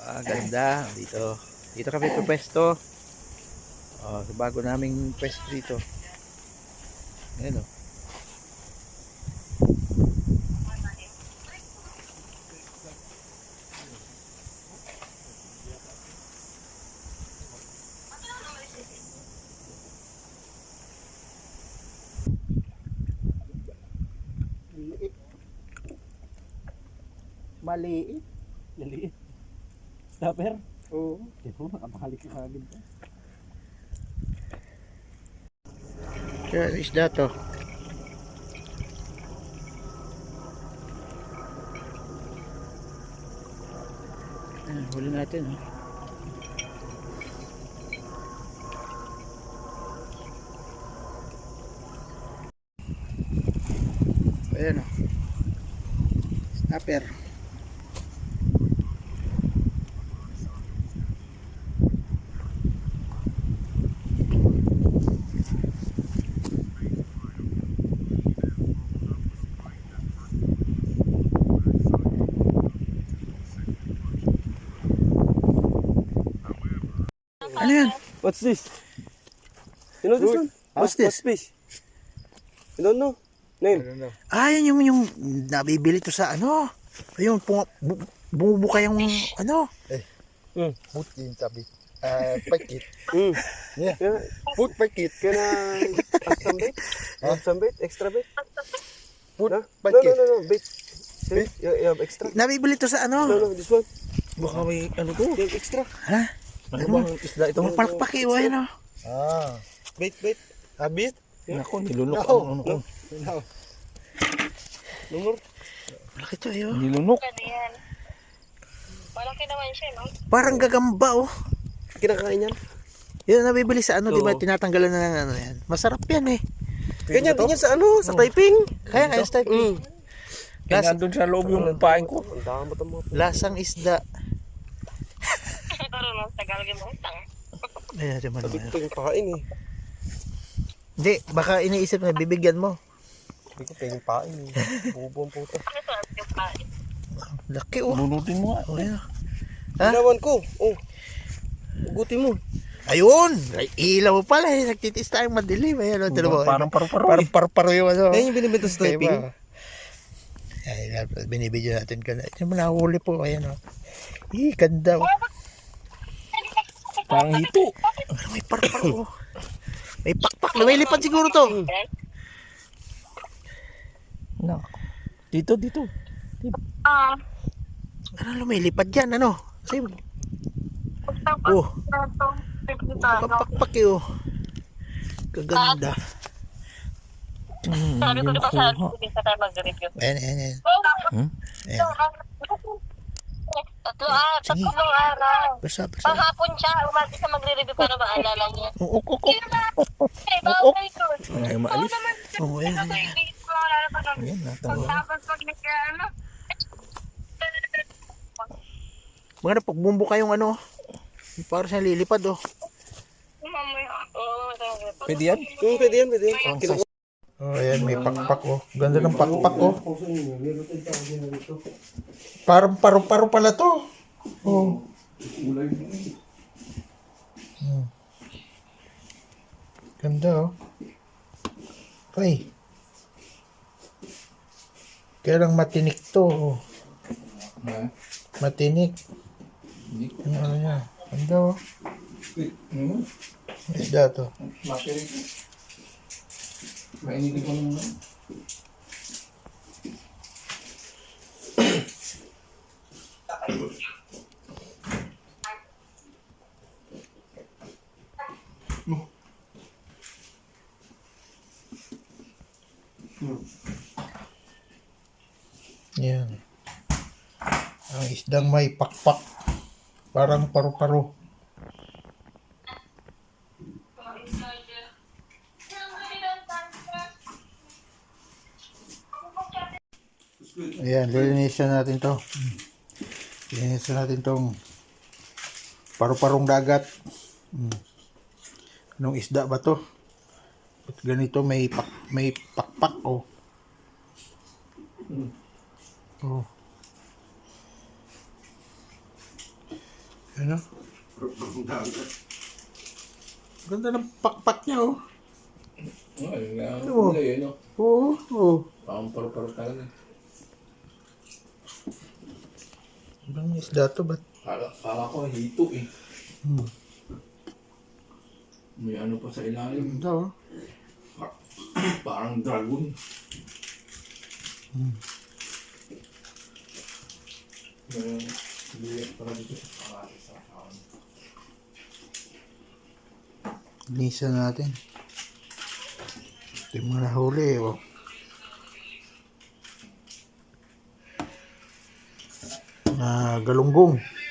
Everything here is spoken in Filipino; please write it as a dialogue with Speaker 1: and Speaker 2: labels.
Speaker 1: Ganda dito. Dito kami pwesto. Sa bago naming pwesto dito. Ayan o.
Speaker 2: Maliit.
Speaker 1: Maliit. Stopper?
Speaker 2: Oo.
Speaker 1: Ito, nakabalik ka agad. Kaya isda to. Ayan, huli natin. Ayan o. Snapper. Ano yan?
Speaker 2: What's this? You know this one?
Speaker 1: What's this?
Speaker 2: What fish? You don't know? Name?
Speaker 1: Yan yung nabibili to sa ano. Yung bumubuka yung ano.
Speaker 3: Put in sabi. Pakit.
Speaker 2: Yeah.
Speaker 3: Put pakit.
Speaker 2: Can I add some bait? Add some bait? Extra bait?
Speaker 3: Put
Speaker 2: No,
Speaker 3: pakit.
Speaker 2: no. Bait. Bait? You have extra?
Speaker 1: Nabibili to sa ano.
Speaker 2: No, this one.
Speaker 1: Baka may ano to.
Speaker 2: You have extra?
Speaker 1: Ha?
Speaker 3: Ano bang isda ito?
Speaker 1: Palakpak o ano.
Speaker 2: Bait, bait.
Speaker 3: Habit?
Speaker 1: Nako, nilunok
Speaker 3: No.
Speaker 1: ang ano ko.
Speaker 3: No.
Speaker 2: Number?
Speaker 1: Malaki to yun.
Speaker 3: Nilunok.
Speaker 4: Ano yan? Malaki naman siya, no?
Speaker 1: Parang gagamba oh.
Speaker 2: Kinakain yan?
Speaker 1: Yun nabibili sa ano, di ba?
Speaker 2: Oo.
Speaker 1: Tinatanggalan na ng ano yan. Masarap yan eh.
Speaker 2: Ganyan din yan sa ano? Sa typing?
Speaker 1: Kaya nga yung type eh.
Speaker 3: Kaya nandun sa loob yung pain ko.
Speaker 2: Ang damot ang mga
Speaker 1: Lasang isda.
Speaker 4: Karunong tagal mo utang.
Speaker 1: Ayan, di man
Speaker 2: sabi
Speaker 1: naman.
Speaker 2: ko yung pain eh.
Speaker 1: Hindi, baka iniisip na bibigyan mo.
Speaker 2: Sabi ko pwedeng pain eh. Bubo ang puta.
Speaker 4: Ano to? Yung pain.
Speaker 1: Laki oh.
Speaker 3: Bunutin mo nga.
Speaker 1: Oh, ayan. Ha?
Speaker 2: Ginawan ko. Oh. Ugutin mo.
Speaker 1: Ayun! Ay, ilaw pala eh. Nagtitis tayong madilim. Ayan, oh, mo.
Speaker 3: Parang paru-paro.
Speaker 1: Parang paru-paro yung ano.
Speaker 2: Yan yung binibenta sa typing.
Speaker 1: Ayan, binibidyo natin ka na. Ito mo nahuli po. Ayan oh. Ganda oh.
Speaker 3: Parang hito.
Speaker 1: May paru-paro oh. May pakpak. Lumilipad siguro to.
Speaker 3: No. Dito.
Speaker 4: Ah,
Speaker 1: Ano lumilipad yan? Ano? Kasi,
Speaker 4: utang
Speaker 1: oh.
Speaker 4: pa.
Speaker 1: Papakpak eh oh. Kaganda.
Speaker 4: Sabi ko diba sa hindi pa tayo mag-review.
Speaker 1: Ayan.
Speaker 4: Hmm?
Speaker 1: Ayan.
Speaker 4: Tatlong araw.
Speaker 1: Basta.
Speaker 4: Panghapon siya, umati sa magre-review para maalala niya.
Speaker 1: Uk.
Speaker 4: Eh, bawal ko.
Speaker 3: Ay, maalis.
Speaker 1: Oh, ayan.
Speaker 4: Hindi ko maalala pa nun.
Speaker 3: Ayan, natawa.
Speaker 4: Pagtapos pag nagka-ano.
Speaker 1: Mga na, pagbumbo kayong ano. Parang siya lilipad oh.
Speaker 4: Mamaya. Oo,
Speaker 3: Pwede yan?
Speaker 2: Pwede yan.
Speaker 1: Oh, ayan, may pakpak oh. Ganda ng pakpak oh. Parang paru-paro pala to. Oh. Ganda oh. Ay. Kaya lang matinik to oh. Matinik. Ano yan? Ganda oh. Isda to.
Speaker 3: Mainitin ko naman.
Speaker 1: Yan. Ang isdang may pakpak. Parang paru-paro. Ayan, lilinisan natin to. Lilinisan natin tong paru-parong dagat. Anong isda ba to? Ba't ganito may pakpak oh. Oh.
Speaker 5: Ano? Ganda ng pakpak niya, oh.
Speaker 3: Ay,
Speaker 5: Ano mo?
Speaker 3: kulay, no?
Speaker 5: Oo, oo.
Speaker 3: Parang paro-paro talaga.
Speaker 5: Ibang isda to, ba't?
Speaker 3: Kala ko hito eh.
Speaker 5: Hmm.
Speaker 3: May ano pa sa ilalim.
Speaker 5: Ganda, oh.
Speaker 3: Parang dragon. May bilik para dito. Parati sa kaon.
Speaker 5: Lisa natin. Ito yung mga nahuli, oh. Galunggong.